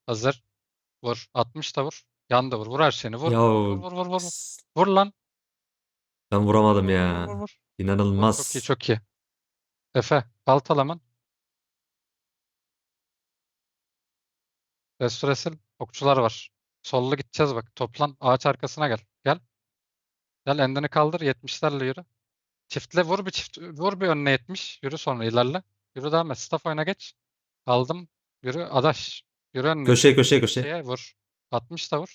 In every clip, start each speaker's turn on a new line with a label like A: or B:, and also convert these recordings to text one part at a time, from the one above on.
A: Hazır. Vur. 60 da vur. Yan da vur. Vur her şeyini. Vur.
B: Ya
A: Vur. Vur lan.
B: ben vuramadım
A: Vur.
B: ya.
A: Vur. Vur. Çok iyi
B: İnanılmaz.
A: çok iyi. Efe. Baltalaman. Restoresil. Okçular var. Sollu gideceğiz bak. Toplan. Ağaç arkasına gel. Gel. Gel endini kaldır. 70'lerle yürü. Çiftle vur bir çift. Vur bir önüne 70. Yürü sonra ilerle. Yürü devam et. Staff oyuna geç. Aldım. Yürü. Adaş. Yürü önüne.
B: Köşe.
A: Şeye vur. 60 da vur.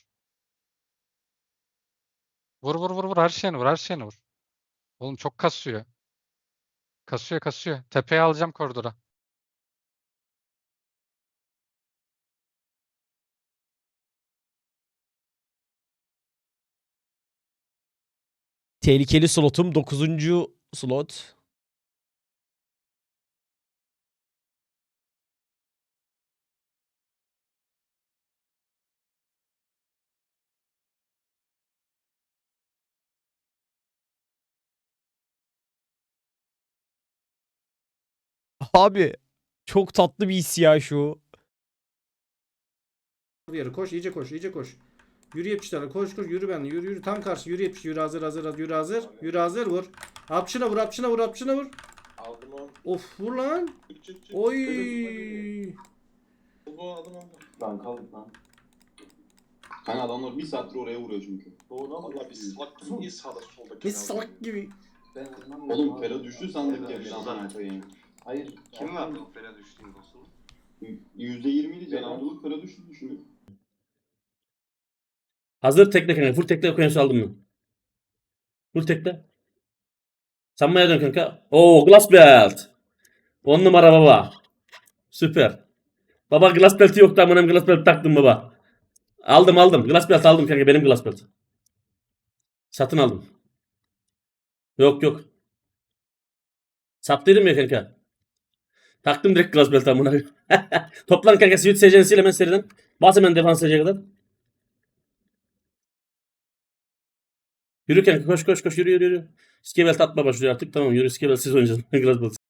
A: Vur. Her şeyini vur. Her şeyini vur. Oğlum çok kasıyor. Kasıyor. Tepeye alacağım koridora.
C: Tehlikeli slotum 9. slot. Abi çok tatlı bir his ya şu.
D: Yarı koş, iyice koş. Yürü 70'lerle koş yürü ben yürü tam karşı yürü 70 yürü hazır yürü hazır vur. Apçına vur.
E: Aldım onu.
D: Of vur lan.
E: Çık.
D: Oy.
E: Aldım.
F: Lan kaldık lan. Hani adamlar bir saattir oraya vuruyor çünkü.
E: Valla biz salak gibi niye sağda solda
D: Ne salak gibi.
F: Ben anlamadım. Oğlum Fera düştü sandık ya bir an koyayım. Hayır.
G: Kim verdi o Fera düştüğün dostunu?
F: %20'ydi canavcılık Fera düştü düşünüyor.
H: Hazır tekle kanka. Full tekle okyanusu aldım mı? Full tekle. Sanmaya dön kanka. Oo glass belt. 10 numara baba. Süper. Baba glass belt'i yoktu ama benim glass belt taktım baba. Aldım. Glass belt aldım kanka benim glass belt. Satın aldım. Yok. Sattıydım ya kanka. Taktım direkt glass belt amına. Toplan kanka switch secensiyle hemen seriden. Bas hemen defans seceye kadar. Yürü kanka koş yürü. Skebelt atma başlıyor artık tamam yürü Skebelt siz oynayacaksın. Glass belt.